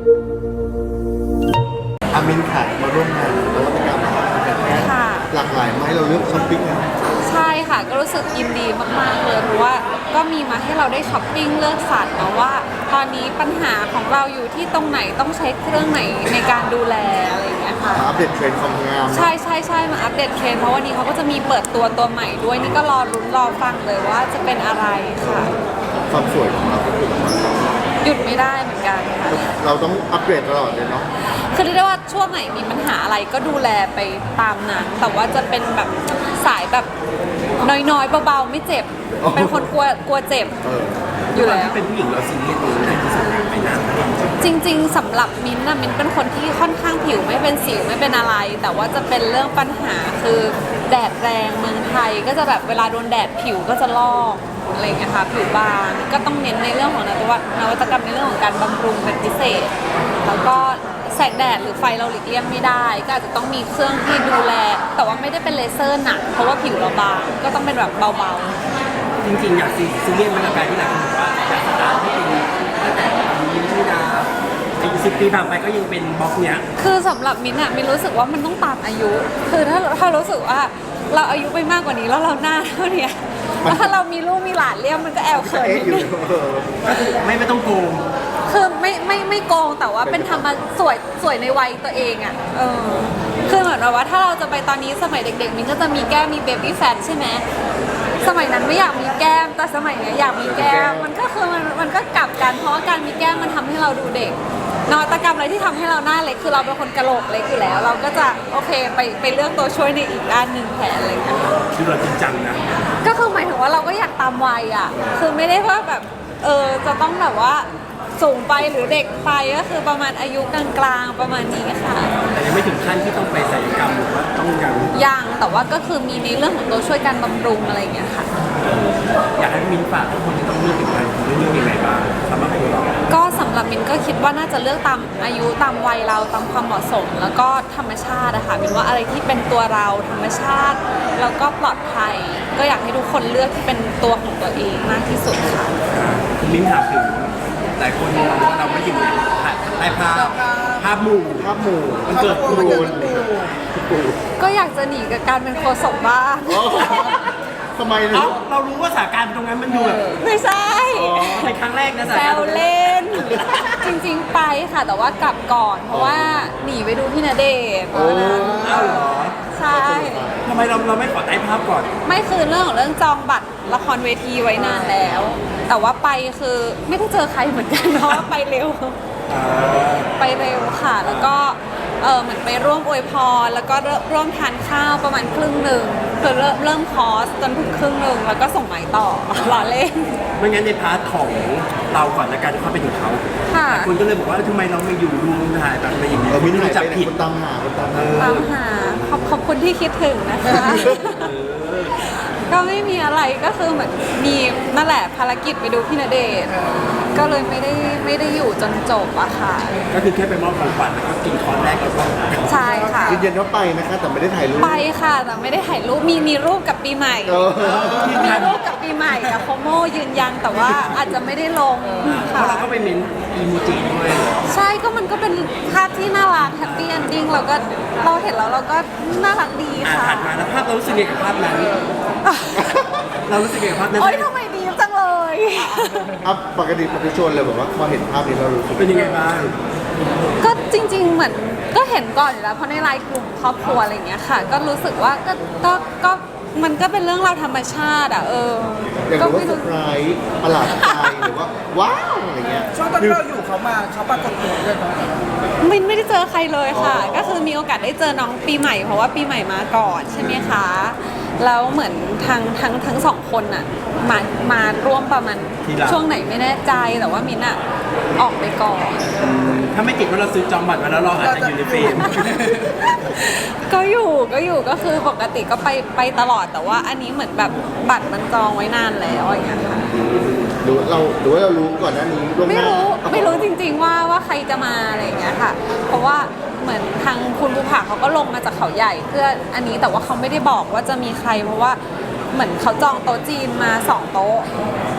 อามินขายมาร่วมงานนวัตกรรมหลากหลายไหมเราเลือกช้อปปิ้งนะใช่ค่ะก็รู้สึกยินดีมากๆเลยเพราะว่าก็มีมาให้เราได้ช้อปปิ้งเลือกสรรนะว่าตอนนี้ปัญหาของเราอยู่ที่ตรงไหนต้องใช้เครื่องไหนในการดูแลอะไรอย่างเงี้ยค่ะอัปเดตเทรนด์ความงามใช่ใช่ใช่มาอัปเดตเทรนด์เพราะวันนี้เขาก็จะมีเปิดตัวใหม่ด้วยนี่ก็รอลุ้นรอฟังเลยว่าจะเป็นอะไรค่ะความสวยของเราก็คือหยุดไม่ได้เหมือนกันค่ะเราต้องอัปเดตตลอดเลยเนาะคือเรียกได้ว่าช่วงไหนมีปัญหาอะไรก็ดูแลไปตามนั้นแต่ว่าจะเป็นแบบสายแบบน้อยๆเบาๆไม่เจ็บเป็นคนกลัวเจ็บอยู่แล้วเป็นผู้หญิงเราซีเรียสในที่สุดไปนานจริงๆสำหรับมิ้นท์มิ้นเป็นคนที่ค่อนข้างผิวไม่เป็นสิวไม่เป็นอะไรแต่ว่าจะเป็นเรื่องปัญหาคือแดดแรงเมืองไทยก็จะแบบเวลาโดนแดดผิวก็จะลอกอะไรอย่างเงี้ยค่ะผิวบางก็ต้องเน้นในเรื่องของนวัตกรรมในเรื่องของการบำรุงเป็นพิเศษแล้วก็แสงแดดหรือไฟเราหลีกเลี่ยงไม่ได้ก็อาจจะต้องมีเครื่องที่ดูแลแต่ว่าไม่ได้เป็นเลเซอร์หนักเพราะว่าผิวเราบางก็ต้องเป็นแบบเบาๆจริงๆอยากซีเรียสมันกับการที่หลายคนบอกว่าอยากสตาร์ทให้เป็นตั้งแต่มีที่ดาอีก10 ปีผ่านไปก็ยังเป็นบล็อกเนี้ยคือสำหรับมิ้นท์มิ้นรู้สึกว่ามันต้องตามอายุคือถ้ารู้สึกว่าเราอายุไปมากกว่านี้แล้วเราหน้าเท่านี้แล้วถ้าเรามีลูกมีหลานเลี้ยงมันก็แอบเขินไม่ต้องโกงคือไม่โกงแต่ว่าเป็นธรรมสวยในวัยตัวเองอ่ะคือเหมือนแบบว่าถ้าเราจะไปตอนนี้สมัยเด็กๆมิ้นก็จะมีแก้มมีเบบี้แฟทใช่ไหมสมัยนั้นไม่อยากมีแก้มแต่สมัยนี้อยากมีแก้มมันก็คือมันก็กลับกันเพราะว่าการมีแก้มมันทำให้เราดูเด็กนวัตกรรมอะไรที่ทำให้เราหน้าเล็กคือเราเป็นคนกะโหลกเล็กอยู่แล้ว เราก็จะโอเคไปเลือกตัวช่วยในอีกด้านหนึ่งแทนอะไรอย่างเงี้ยคือเราจริงจังนะก็คือหมายถึงว่าเราก็อยากตามวัยอ่ะคือไม่ได้ว่าแบบจะต้องแบบว่าสูงไปหรือเด็กไปก็คือประมาณอายุกลางๆประมาณนี้ค่ะแต่ยังไม่ถึงขั้นที่ต้องไปศัลยกรรมหรือว่าต้องยังแต่ว่าก็คือมีในเรื่องของตัวช่วยการบำรุงอะไรอย่างเงี้ยค่ะอยากให้มิ้นฝากทุกคนที่ต้องเลือกถึงการเลือกยังไงบ้างสำหรับตัวเราก็สำหรับมิ้นก็คิดว่าน่าจะเลือกตามอายุตามวัยเราตามความเหมาะสมแล้วก็ธรรมชาติอะค่ะมิ้นว่าอะไรที่เป็นตัวเราธรรมชาติแล้วก็ปลอดภัยก็อยากให้ทุกคนเลือกที่เป็นตัวของตัวเองมากที่สุดค่ะคุณมิ้นถามถึงหลายคนมองว่าเราไม่อยู่ในภาพหมู่มันเกิดครูก็อยากจะหนีกับการเป็นโฆษกบ้างทำไมเรารู้ว่าสถานการณ์ตรงนั้นมันดูแบบไม่ใช่ในครั้งแรกนะแซวเล่นจริงๆไปค่ะแต่ว่ากลับก่อนเพราะว่าหนีไปดูพี่ณเดชน์เพราะนั้นใช่ทำไมเราไม่ขอใต้ภาพก่อนไม่คือเรื่องของเรื่องจองบัตรละครเวทีไว้นานแล้วแต่ว่าไปคือไม่ได้เจอใครเหมือนกันเพราะว่าไปเร็วค่ะแล้วก็เหมือนไปร่วมอวยพรแล้วก็ร่วมทานข้าวประมาณครึ่งหนึ่งคือเริ่มคอร์สจนถึงครึ่งหนึ่งแล้วก็ส่งหมายต่อรอเล่นไม่งั้นในพาร์ทของเราก่อนในการเข้าไปถึงเขาคนก็เลยบอกว่าทำไมเราไม่อยู่ดูถ่ายแบบอะไรอย่างเงี้ยไม่ได้จับผิดตามหาขอบคุณที่คิดถึงนะคะก็ไม่มีอะไรก็คือเหมือนมีนั่นแหละภารกิจไปดูพี่ณเดชน์ก็เลยไม่ได้อยู่จนจบอะค่ะก็คือแค่ไปมอบของขวัญแล้วก็กินคอร์สแรกแล้วก็ใช่ค่ะยืนยันว่าไปนะคะแต่ไม่ได้ถ่ายรูปไปค่ะแต่ไม่ได้ถ่ายรูปมีรูปกับปีใหม่มีรูปกับปีใหม่กับโคโมยืนยันแต่ว่าอาจจะไม่ได้ลงค่ะเราก็ไปเมนอีโมจิด้วยใช่ก็มันก็เป็นภาพที่น่ารักแฮปปี้เอนดิ้งเราเห็นแล้วเราก็น่ารักดีค่ะถัดมาแล้วภาพเรารู้สึกยังไงกับภาพนั้นเรารู้สึกยังไงกับภาพนั้นโอ๊ยทำไมดีจังเลยปกติปฏิชนเลยบอกว่าพอเห็นภาพนี้เรารู้สึกเป็นยังไงบ้างก็จริงๆเหมือนก็เห็นก่อนอยู่แล้วเพราะในไลน์กลุ่มครอบครัวอะไรอย่างเงี้ยค่ะก็รู้สึกว่าก็มันก็เป็นเรื่องราวธรรมชาติอย่างว่าเซอร์ไพรส์ประหลาดใจหรือว่าว้าวอะไรเงี้ยช่วงตอนที่เราอยู่เขาปรากฏตัวด้วยนะไม่ได้เจอใครเลยค่ะก็คือมีโอกาสได้เจอน้องปีใหม่เพราะว่าปีใหม่มาก่อนใช่ไหมคะแล้วเหมือนทั้งสองคนน่ะมาร่วมประมาณช่วงไหนไม่แน่ใจแต่ว่ามินอะออกไปก่อนถ้าไม่ติดว่าเราซื้อจองบัตรมาแล้วเราอาจจะอยู่ในเฟรมก็อยู่ก็คือปกติก็ไปตลอดแต่ว่าอันนี้เหมือนแบบบัตรมันจองไว้นานแล้วอย่างเงี้ยค่ะหรือว่าเรารู้ก่อนหน้านี้ไม่รู้จริงๆว่าใครจะมาอะไรอย่างเงี้ยค่ะเพราะว่าเหมือนทางคุณภูผาเขาก็ลงมาจากเขาใหญ่เพื่ออันนี้แต่ว่าเขาไม่ได้บอกว่าจะมีใครเพราะว่าเหมือนเขาจองโต๊ะจีนมา2 โต๊ะ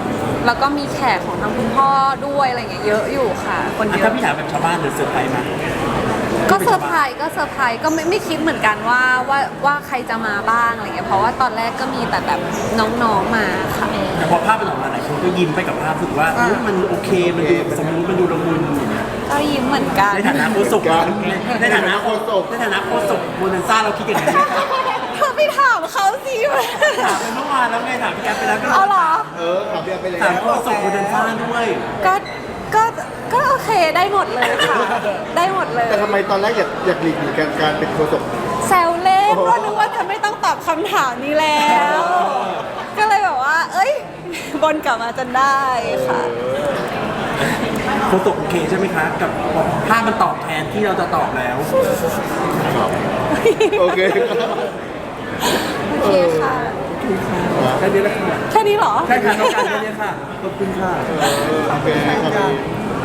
แล้วก็มีแขกของทางคุณพ่อด้วยอะไรเงี้ยเยอะอยู่ค่ะคนเยถ้าอะพี่ถามแบบชาวบ้านหรือเซอร์ไพรส์มาก็เซอร์ไพรส์ก็ไม่คิดเหมือนกันว่าใครจะมาบ้างอะไรเงี้ยเพราะว่าตอนแรกก็มีแต่แบบน้องๆมาค่ะแต่พอภาพมันออกมาหลายคนก็ยิ้มไปกับภาพรู้สึกว่าเฮ้ยมันโอเคมันดูสมมุติมันดูละมุนก็ยิ้มเหมือนกันในฐานะโฆษกในฐานะโฆษกโมนันซ่าเราคิดอย่างนี้ไหมครับเธอไปถามเขาสิถามไปเมื่อวานแล้วไงถามพี่แอฟไปแล้วก็เอาเหรอถามพี่แอฟไปเลยถามโฆษกโมนันซ่าด้วยก็โอเคได้หมดเลยค่ะ ได้หมดเลยแต่ทำไมตอนแรกอยากหลีกหนีการเป็นโฆษกแซวเล่นว่านึกว่าจะไม่ต้องตอบคำถามนี้แล้ว ก็เลยแบบว่า เอ้ยบนกลับมาจนได้ค่ะโฆษกโอเคใช่ไหมคะกับภาพมันตอบแทนที่เราจะตอบแล้วโอเคโอเคค่ะแค่นี้แหละค่ะแค่นี้เหรอแค่ค่ะต้องการแค่นี้ค่ะขอบคุณค่ะโอเคครับ